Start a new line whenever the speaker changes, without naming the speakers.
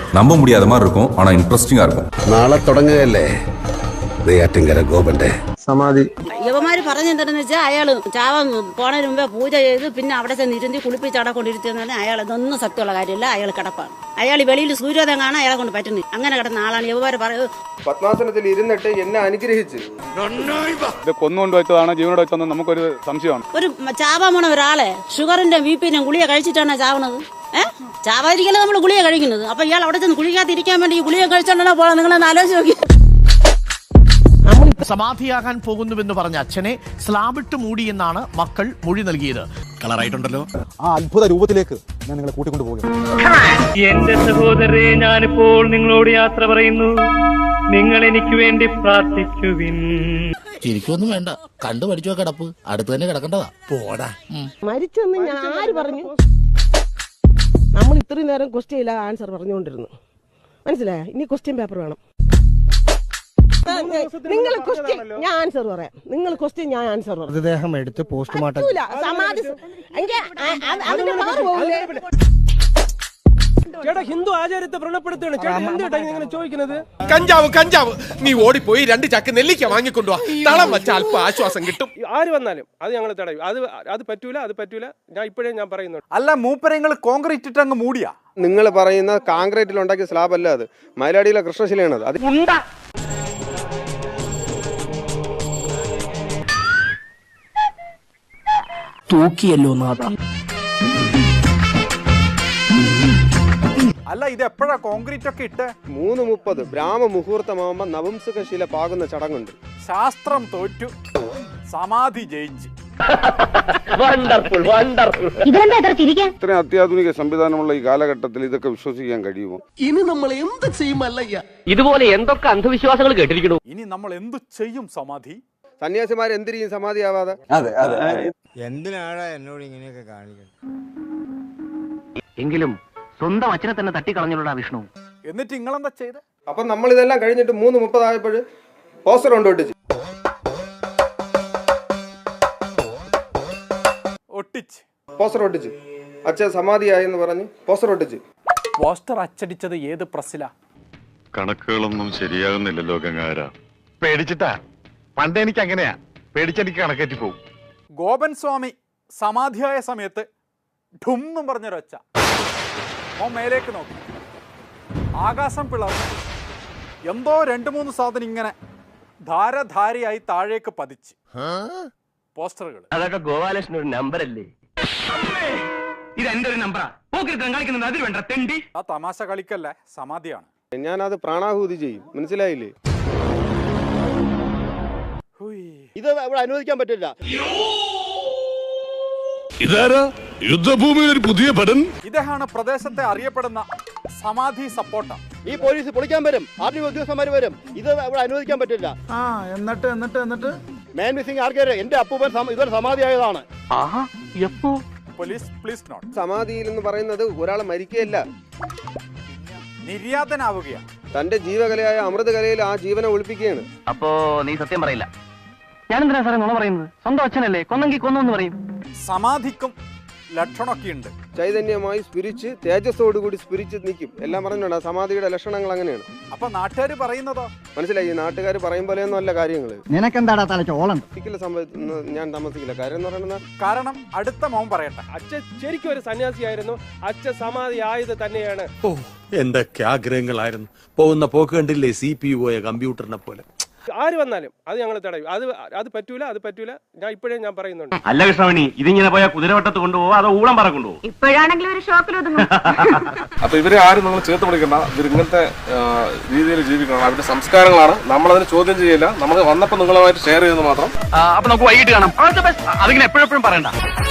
நம்ப முடியாத மாதிரி இருக்கும், ஆனா இன்ட்ரெஸ்டிங்கா இருக்கும்.
നാളെ തുടങ്ങുകയല്ലേ നെയ്യാറ്റിൻകര ഗോപന്റെ
സമാധി.
യുവമാര് പറഞ്ഞെന്താണെന്ന് വെച്ചാൽ അയാള് ചാവാൻ പോണതിന് മുമ്പേ പൂജ ചെയ്ത് പിന്നെ അവിടെ ചെന്ന് ഇരുത്തി കുളിപ്പിച്ച് അവിടെ കൊണ്ടിരുത്തിയെന്ന് പറഞ്ഞാൽ അയാൾ ഇതൊന്നും സത്യമുള്ള കാര്യമില്ല. അയാൾ കിടപ്പാണ്. അയാൾ വെളിയിൽ സൂര്യോദയം കാണാൻ അയാളെ കൊണ്ട് പറ്റുന്നില്ല. അങ്ങനെ കിടന്ന ആളാണ്. യുവമാര് പറയുന്നത്
പത്മാസനത്തിൽ ഇരുന്നിട്ട് എന്നെ അനുഗ്രഹിച്ച്
കൊന്നുകൊണ്ട് വെച്ചതാണ് ജീവനോട് വെച്ചതെന്ന് നമുക്കൊരു സംശയമാണ്.
ഒരു ചാവാൻ പോണ ഒരാളെ ഷുഗറിന്റെ ബിപിന്റെ ഗുളിക കഴിച്ചിട്ടാണ് ചാവണത്. ചാവാതിരിക്കലും നമ്മൾ ഗുളിക കഴിക്കുന്നത്. അപ്പൊ ഇയാൾ അവിടെ ചെന്ന് കുളിക്കാതിരിക്കാൻ വേണ്ടി ഈ ഗുളിക കഴിച്ചോണ്ടാണോ പോകാൻ? നിങ്ങളൊന്ന് ആലോചിച്ച് നോക്കി.
സമാധിയാകാൻ പോകുന്നുവെന്ന് പറഞ്ഞ അച്ഛനെ സ്ലാബിട്ട് മൂടിയെന്നാണ് മക്കൾ മൊഴി നൽകിയത്. കളറായിട്ടുണ്ടല്ലോ.
ആ അത്ഭുത രൂപത്തിലേക്ക് ഞാൻ നിങ്ങളെ കൂട്ടിക്കൊണ്ടു പോകുന്നു.
എന്റെ സഹോദരരെ, ഞാനിപ്പോൾ നിങ്ങളോട് യാത്ര പറയുന്നു. നിങ്ങൾ എനിക്ക് വേണ്ടി പ്രാർത്ഥിക്കുവിൻ.
ശരിക്കൊന്നും വേണ്ട, കണ്ടു പഠിച്ചോ കിടപ്പ് അടുത്ത് തന്നെ കിടക്കേണ്ടതാ. പോടാ.
മരിച്ചെന്ന് ഞാൻ ആര് പറഞ്ഞു? നമ്മൾ ഇത്രയും നേരം ക്വസ്റ്റ്യൻ ഇല്ല ആൻസർ പറഞ്ഞുകൊണ്ടിരുന്നു. മനസ്സിലായ? ഇനി ക്വസ്റ്റ്യൻ പേപ്പർ വേണം. നിങ്ങൾ ക്വസ്റ്റ്യൻ ഞാൻ ആൻസർ പറയാം. നിങ്ങൾ ക്വസ്റ്റ്യൻ ഞാൻ ആൻസർ പറയാം.
മൃതദേഹം എടുത്ത് പോസ്റ്റ്മോർട്ടം
സമാധി
ചേട്ടാ ഹിന്ദു ആചാരത്തെ വ്രണപ്പെടുത്തുകയാണ് ചേട്ടാ. എന്തുകൊണ്ടാ ഇങ്ങനെ ചോദിക്കുന്നത്?
കഞ്ചാവ് നീ ഓടിപ്പോയി 2 ചാക്ക് നെല്ലിക്ക വാങ്ങിക്കൊണ്ടുവാ. തളം വെച്ച അല്പ ആശ്വാസം കിട്ടും.
ആര് വന്നാലും അത് ഞങ്ങൾ തടയും. അത് പറ്റൂല. ഞാൻ ഇപ്പോഴേ ഞാൻ പറയുന്നു.
അല്ല മൂപ്പരങ്ങൾ കോൺക്രീറ്റ് ഇട്ട് അങ്ങ് മൂടിയാ?
നിങ്ങൾ പറയുന്ന കോൺക്രീറ്റിൽ ഉണ്ടാക്കിയ സ്ലാബ് അല്ല, അത് മയിലാടിയിലെ കൃഷ്ണശിലയാണ്. അത്
തൂക്കിയല്ലോ നാഥ.
അല്ല ഇത് എപ്പോഴാ കോൺക്രീറ്റ് ഒക്കെ ഇട്ട്?
3:30 ബ്രാഹ്മ മുഹൂർത്തമാകുമ്പോ നപുംസകശില പാകുന്ന ചടങ്ങുണ്ട്.
ശാസ്ത്രം തോറ്റു, സമാധി ജയിച്ചു.
ഇത്രയും അത്യാധുനിക സംവിധാനമുള്ള ഈ കാലഘട്ടത്തിൽ ഇതൊക്കെ വിശ്വസിക്കാൻ കഴിയുമോ?
ഇനി നമ്മൾ എന്ത് ചെയ്യുമല്ലയ്യ?
ഇതുപോലെ എന്തൊക്കെ അന്ധവിശ്വാസങ്ങൾ കേട്ടിരിക്കണു.
ഇനി നമ്മൾ എന്തു ചെയ്യും? സമാധി
സന്യാസിമാർ എന്തിരിക്കും സമാധിയാവാതെ?
എന്തിനാടാ എന്നോട് ഇങ്ങനെയൊക്കെ കാണിക്കുന്നത്?
എങ്കിലും സ്വന്തം അച്ഛനെ തന്നെ തട്ടിക്കളഞ്ഞുള്ള വിഷ്ണു.
എന്നിട്ട് നിങ്ങളെന്താ ചെയ്ത്?
അപ്പൊ നമ്മൾ ഇതെല്ലാം കഴിഞ്ഞിട്ട് 3:30 ആയപ്പോൾ പോസ്റ്റർ കൊണ്ടൊട്ടിച്ച് പോസ്റ്റർ ഒട്ടിച്ച് അച്ഛൻ സമാധിയായെന്ന് പറഞ്ഞ് പോസ്റ്റർ ഒട്ടിച്ച്.
പോസ്റ്റർ അച്ചടിച്ചത് ഏത് പ്രസ്സിലാ?
കണക്കുകളൊന്നും ശരിയാകുന്നില്ലല്ലോ ഗംഗാര.
പേടിച്ചിട്ടാ? പണ്ട് എനിക്ക് അങ്ങനെയാ, പേടിച്ചെനിക്ക് കണക്കേറ്റി പോകും.
ഗോപൻ സ്വാമി സമാധിയായ സമയത്ത് ഠും പറഞ്ഞൊരൊച്ച. ഓ മേലേക്ക് നോക്കി, ആകാശം പിളർന്നു. എന്തോ 2-3 സാധനം ഇങ്ങനെ ധാരധാരയായി താഴേക്ക് പതിച്ച്. പോസ്റ്ററുകൾ.
അതൊക്കെ ഗോപാലകൃഷ്ണൻ ഒരു നമ്പർ അല്ലേ? ഇത് എന്റെ ഒരു നമ്പറാ. അതിൽ വേണ്ട തെണ്ടി.
ആ തമാശ കളിക്കല്ലേ, സമാധിയാണ്.
ഞാനത് പ്രാണാഹൂതി ചെയ്യും. മനസ്സിലായില്ലേ?
ഇത് ഇവിടെ അനുവദിക്കാൻ പറ്റില്ല.
ഇതാരാ യുദ്ധഭൂമിയിൽ ഒരു പുതിയ പടൻ?
ഇദ്ദേഹമാണ് പ്രദേശത്തെ അറിയപ്പെടുന്ന സമാധി സപ്പോർട്ടർ.
ഈ പോലീസ് പൊളിക്കാൻ വരും, ആർമി ഉദ്യോഗസ്ഥന്മാർ വരും. ഇത് ഇവിടെ അനുവദിക്കാൻ പറ്റില്ല.
എന്നിട്ട്
മാൻ മിസ്സിംഗ് ആർക്കാര്? എന്റെ അപ്പൂപ്പൻ ഇതൊരു സമാധിയായതാണ്.
Police please note.
സമാധിയിൽ എന്ന് പറയുന്നത് ഒരാളെ മരിക്കുകയല്ല,
നിര്യാതനാവുകയാണ്.
തന്റെ ജീവകലയായ അമൃതകലയിൽ ആ ജീവനെ ഒളിപ്പിക്കുകയാണ്.
അപ്പോ നീ സത്യം പറയില്ല? ഞാനെന്തിനാ സാറേ നുണ പറയുന്നത്? സ്വന്തം അച്ഛനല്ലേ, കൊന്നെങ്കിൽ കൊന്നു പറയും.
സമാധിക്കും ലക്ഷണമൊക്കെ ഉണ്ട്.
ചൈതന്യമായി സ്പിരിച്ച്, തേജസ്സോടുകൂടി സ്പിരിച്ച് നിൽക്കും. എല്ലാം പറഞ്ഞിട്ടുണ്ട്. ആ സമാധിയുടെ ലക്ഷണങ്ങൾ അങ്ങനെയാണ്.
അപ്പൊ നാട്ടുകാർ പറയുന്നതോ?
മനസ്സിലായി? നാട്ടുകാർ പറയും പോലെയൊന്നും അല്ല കാര്യങ്ങൾ.
നിനക്കെന്താടാ തലച്ചോളം?
ഞാൻ താമസിക്കില്ല. കാര്യം എന്ന് പറയുന്നത്,
കാരണം അടുത്ത മോൻ പറയട്ടെ.
അച്ഛൻ ശരിക്കും ഒരു സന്യാസിയായിരുന്നു. അച്ഛൻ സമാധി ആയത് തന്നെയാണ്.
എന്തൊക്കെ ആഗ്രഹങ്ങളായിരുന്നു. പോകുന്ന പോക്ക് കണ്ടില്ലേ, CPU പോയ കമ്പ്യൂട്ടറിനെ പോലെ.
ആര് വന്നാലും അത് ഞങ്ങൾ തടയും. അത് പറ്റൂല. ഞാൻ ഇപ്പോഴേ ഞാൻ പറയുന്നുണ്ട്.
അല്ല കൃഷ്ണമണി, ഇതിങ്ങനെ പോയാൽ കുതിരവട്ടത്ത് കൊണ്ടുപോകും, അതോ ഊളം പറ കൊണ്ടുപോകും?
ഇപ്പോഴാണെങ്കിലും ഒരു ഷോക്കിലൊതുങ്ങും.
അപ്പൊ ഇവരെ ആരും നമ്മൾ ചേർത്ത് പിടിക്കണ്ട. ഇവർ ഇങ്ങനത്തെ രീതിയിൽ ജീവിക്കണം. അവരുടെ സംസ്കാരങ്ങളാണ്. നമ്മളതിനെ ചോദ്യം ചെയ്യില്ല. നമ്മൾ വന്നപ്പോൾ നിങ്ങളുമായിട്ട് ഷെയർ ചെയ്തെന്ന് മാത്രം.
അപ്പൊ നമുക്ക് വൈകിട്ട് കാണാം. അതിങ്ങനെ എപ്പോഴും പറയണ്ട.